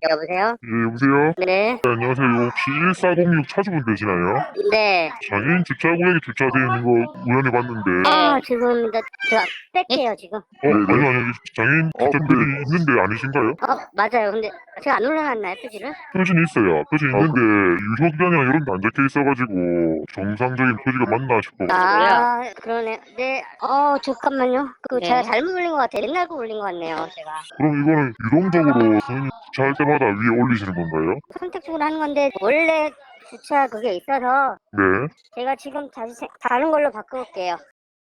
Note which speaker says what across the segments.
Speaker 1: 여보세요?
Speaker 2: 예, 여보세요?
Speaker 1: 네.
Speaker 2: 네, 안녕하세요. 이거 혹시 1406 차주분 되시나요?
Speaker 1: 네.
Speaker 2: 장애인 주차구역에 주차되어 있는 거 우연히 봤는데.
Speaker 1: 지금 제가 뺄게요, 지금.
Speaker 2: 아니요, 아니요. 장애인 주차들이 있는데 아니신가요?
Speaker 1: 맞아요. 근데 제가 안 올려놨나요, 표지를?
Speaker 2: 표지는 있어요. 표지 있는데 유효기간이나 이런 게 안 적혀 있어가지고 정상적인 표지가 맞나 싶어.
Speaker 1: 그러네. 네. 잠깐만요.
Speaker 3: 네.
Speaker 1: 제가 잘못 올린 것 같아요. 옛날 거 올린 것 같네요, 제가.
Speaker 2: 그럼 이거는 유동적으로 선생님 주차할 때마다 위에 올리시는 건가요?
Speaker 1: 선택적으로 하는 건데, 원래 주차 그게 있어서,
Speaker 2: 네.
Speaker 1: 제가 지금 다시 다른 걸로 바꿔볼게요.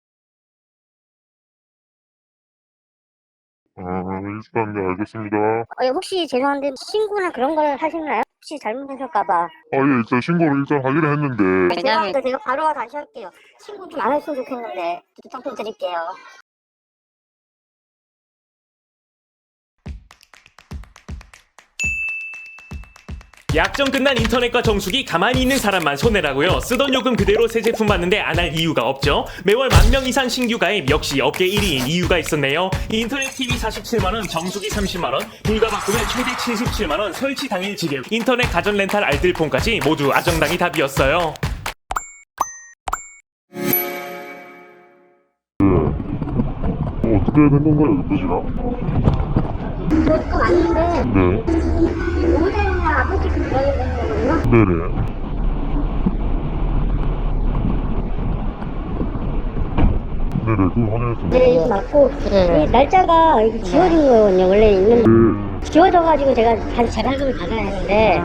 Speaker 2: 일단 네, 알겠습니다.
Speaker 1: 혹시 죄송한데, 신고나 그런 걸 하시나요? 혹시 잘못하실까봐.
Speaker 2: 예, 일단 신고를 일단 하기로 했는데.
Speaker 1: 죄송합니다. 제가 바로 다시 할게요. 신고 좀 안 했으면 좋겠는데, 부탁 좀 드릴게요.
Speaker 4: 약정 끝난 인터넷과 정수기 가만히 있는 사람만 손해라고요. 쓰던 요금 그대로 새 제품 받는데 안 할 이유가 없죠. 매월 10,000명 이상 신규 가입, 역시 업계 1위인 이유가 있었네요. 인터넷 TV 47만원, 정수기 30만원, 불가 바꾸면 최대 77만원, 설치 당일 지급, 인터넷 가전 렌탈 알뜰폰까지 모두 아정당이 답이었어요.
Speaker 2: 어떻게 된 건가요, 이 표지가?
Speaker 1: 그거 맞는데,
Speaker 2: 네.
Speaker 1: 모델이나 아버지 그런 거거든요?
Speaker 2: 네네. 네네, 그거 확인했습니다.
Speaker 1: 네, 이거 맞고, 이 날짜가 이게 지워진 거거든요. 원래 있는 지워져가지고 제가 다시 재발급을 받아야 하는데,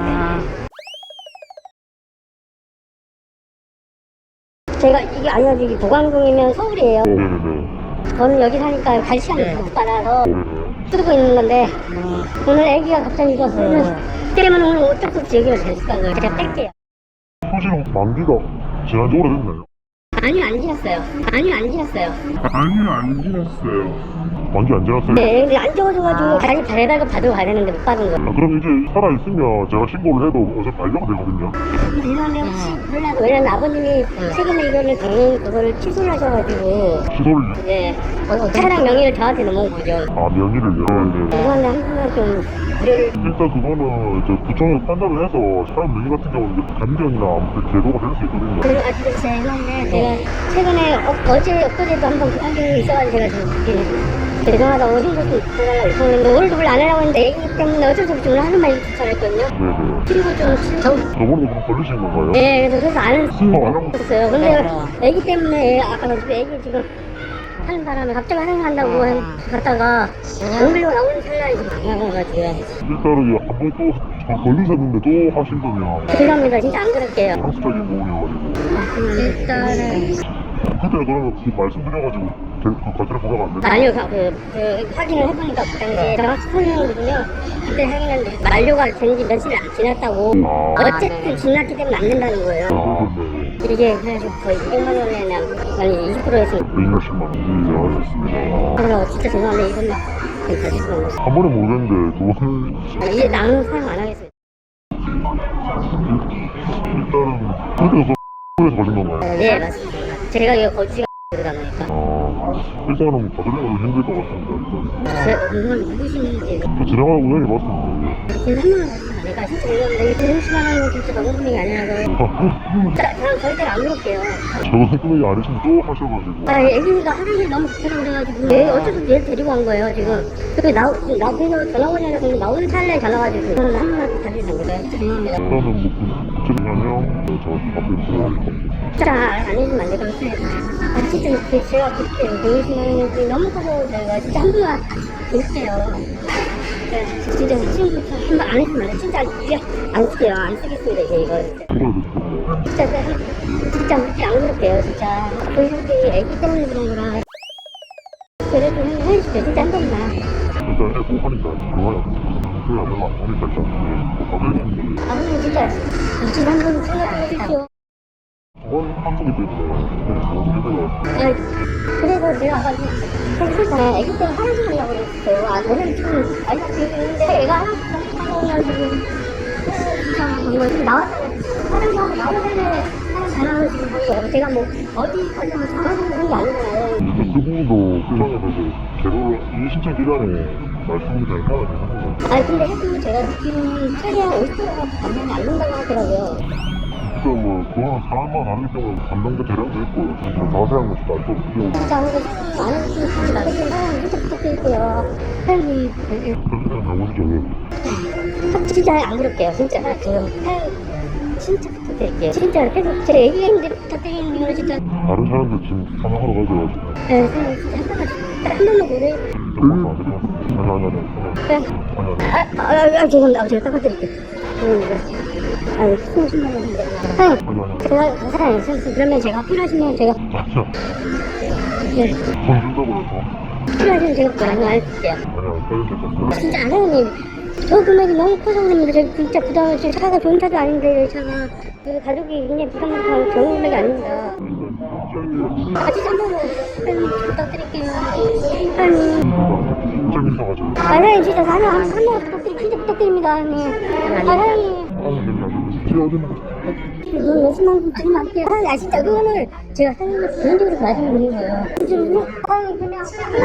Speaker 1: 제가 이게 아니요, 이게 보강동이면 서울이에요.
Speaker 2: 네네네.
Speaker 1: 저는 여기 사니까 갈 시간이 못 받아서
Speaker 2: 네네.
Speaker 1: 쓰고 있는 건데, 오늘 애기가 갑자기 이거 쓰면 때문에 오늘 어쩔 수 없이 여기가 됐을까요? 제가 뺄게요.
Speaker 2: 표지는 만기가 지난 지 오래됐나요?
Speaker 1: 아니요, 안 지났어요. 아니요, 안 지났어요.
Speaker 2: 아니요, 안 지났어요. 만기 안 지났어요?
Speaker 1: 네, 근데 안 지워져가지고 다시 재발급 받으러 가야 되는데 못 받은 거예요.
Speaker 2: 그럼 이제 살아있으면 제가 신고를 해도 어차피 발령 되거든요.
Speaker 1: 죄송한데 혹시 몰라도 왜냐면 아버님이 최근에 이거를 당연히 그거를 취소를 하셔가지고
Speaker 2: 취소를,
Speaker 1: 네 차량 명의를 저한테 넘어온 거죠.
Speaker 2: 명의를요? 네.
Speaker 1: 죄송한데 한 번만 좀 무료를.
Speaker 2: 일단 그거는 이제 구청에서 판단을 해서 차량 명의 같은 경우는 이제 감정이나 아무튼 제도가 될 수 있거든요.
Speaker 1: 그리고 죄송한데 제가 최근에 어제 엊그제도 한번 그런 적이 있어가지고 제가 좀 죄송하다고 힘들고 있었는데 오늘도 원래 안 하려고 했는데 애기 때문에 어쩔 수 없이 오늘 하는 말이 추천했거든요.
Speaker 2: 네네.
Speaker 1: 그리고
Speaker 2: 저번에 그럼 걸리신 건가요?
Speaker 1: 네, 그래서 안
Speaker 2: 하고
Speaker 1: 했어요. 근데 애기 때문에 아까 애기 지금 하는 바람에 갑자기 한다고 갔다가 연결로 나오는 찰나에 지금 당황해가지고.
Speaker 2: 일단은 한번 또 걸리셨는데 또 하신 거면
Speaker 1: 죄송합니다. 진짜 안 그럴게요.
Speaker 2: 상습적인 부분이어가지고.
Speaker 1: 일단은
Speaker 2: 그때 그러면 그 말씀드려가지고 그 과태료 부과가 안 되나요?
Speaker 1: 아니요, 그 확인을 해보니까 그 당시에 정확히 설명이거든요. 그때 확인했는데 만료가 된 지 며칠 안 지났다고. 어쨌든 지났기 때문에 안 된다는 거예요.
Speaker 2: 그런데
Speaker 1: 이게 그래가지고 거의 200만 원에 아니 20%에서
Speaker 2: 120만 원. 네, 알겠습니다.
Speaker 1: 그래서 진짜 죄송한데 이것만 가지시면
Speaker 2: 한 번에 모르겠는데 두 번을
Speaker 1: 이제 나는 사용 안 하겠어요.
Speaker 2: 일단은 그렇게 해서 걸린 건가요?
Speaker 1: 네, 맞습니다. 제가 이거 거지가 그러다 보니까.
Speaker 2: 일단은 받으려고 힘들 것 같습니다.
Speaker 1: 누구신지.
Speaker 2: 저 지나가는 우연히 봤습니다.
Speaker 1: 제가 한 번만 내가 진짜 이러는데 160만 원은 진짜 너무 금액이 아니라서. 저는 절대 안 그럴게요.
Speaker 2: 저거 금액이 아니시면 또 하셔가지고.
Speaker 1: 애기가 화장실 너무 급해서 그래가지고 어쩔 수 없이 얘를 데리고 간 거예요 지금. 그리고 나 앞에서 전화 오냐고 근데 나오는 찰나에 전화 와가지고 저는 한 번만 다시 담그세요. 죄송합니다.
Speaker 2: 일단은 뭐 구체적이면 저 앞에 있어야 될것 같아요.
Speaker 1: 진짜 안 해주면 안 될것 같아요. 진짜 제가 그렇게 120만 원이 너무 커서 제가 진짜 한 번만 드릴게요. 진짜 지금부터 한 번 안 했으면 안 돼. 진짜 안 쓸게요. 안 쓰겠습니다 이제 이거. 진짜 안 그럴게요 진짜. 그 형들이 애기 때문에 그런 거라. 그래도 해주세요 진짜 한 번만.
Speaker 2: 일단 해고 하니까 그거야. 그게 얼마 안 하니까 일단 받으겠습니다.
Speaker 1: 아버님 진짜 이집 한번 생각해 주십시오.
Speaker 2: 저번 방송이 됐어요.
Speaker 1: 그래서 내가 아까 생각했잖아요. 애기 때문에 화장실 가려고 그랬어요. 저는 지금 아이가 있는데 애가 하나 지금 이상한 거예요. 나왔어요. 화장실 하고 나오는데 사람 전화를 지금 거예요. 제가 뭐 어디까지 전화를 하는 게 아니잖아요.
Speaker 2: 그 부분도 구청에서 제도를 이 신청 기간에 말씀이 잘 따라 되는 거죠.
Speaker 1: 아니 근데 해도 제가 느끼는 최대한 50%가 감당이 안 된다고 하더라고요.
Speaker 2: 그러니까 뭐 그거는 사람마다 다르기 때문에 감당도 대량도 있고 뭐 자세한 것도 알수 없고
Speaker 1: 진짜 아무래도 안 해주시면 좋지 않겠어요. 사장님 진짜 부탁드릴게요. 사장님
Speaker 2: 그렇게 가보시죠. 왜?
Speaker 1: 진짜 안 그럴게요. 진짜 지금 사장님 진짜 부탁드릴게요. 진짜 계속 제 애기인데 부탁드리는 이유는 진짜
Speaker 2: 다른 사람들 지금 사망하러 가져가지고
Speaker 1: 네, 사장님 진짜 한 번만 보내.
Speaker 2: 잠깐만 아니
Speaker 1: 죄송합니다. 제가 닦아드릴게요. 아유, 20만 원인데. 사장님, 제가 사장님, 그러면 제가 필요하시면 제가
Speaker 2: 맞죠?
Speaker 1: 네,
Speaker 2: 돈 준다고 해서
Speaker 1: 필요하시면 제가 많이 알려드릴게요.
Speaker 2: 아니야 빨리 됐어.
Speaker 1: 진짜 사장님, 저 금액이 너무 커서 그럽니다. 제가 진짜 부담을 지금 차가 좋은 차도 아닌데 차가 그 가족이 굉장히 부담스러운 좋은 금액이 아닙니다. 같이 한 번만 사장님 부탁드릴게요. 사장님.
Speaker 2: 진짜 비싸가지고.
Speaker 1: 사장님 진짜 사장님 한 번만 진짜 부탁드립니다. 사장님. 사장님.
Speaker 2: 제가 어디나
Speaker 1: 돈 몇십만 원 드리면 안 돼요. 사장님, 진짜 그거는 제가 사장님한테 개인적으로 말씀드린 거예요. 지금 뭐, 그냥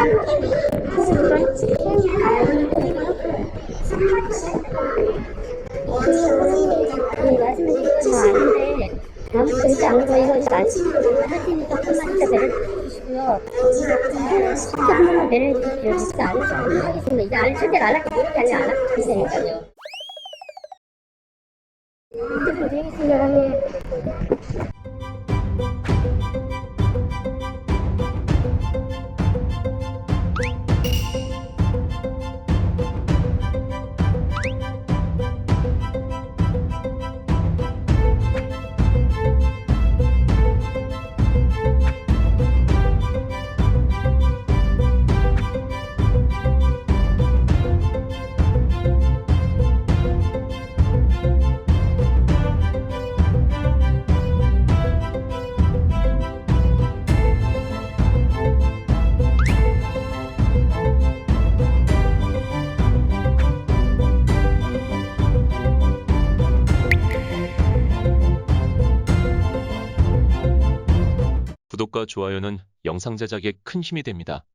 Speaker 1: 말씀드린 건 아닌데 아무튼 그렇지 않은 거 이거 진짜 안 할 테니까 한번 진짜 배려해 주시고요. 진짜 한 번만 배려해 주십시오. 진짜 안 하겠습니다. 이제 안 절대로 안 할게요. 이렇게 하면 안 할 테니까요. 부탁드리겠습니다, 사장님.
Speaker 3: 구독과 좋아요는 영상 제작에 큰 힘이 됩니다.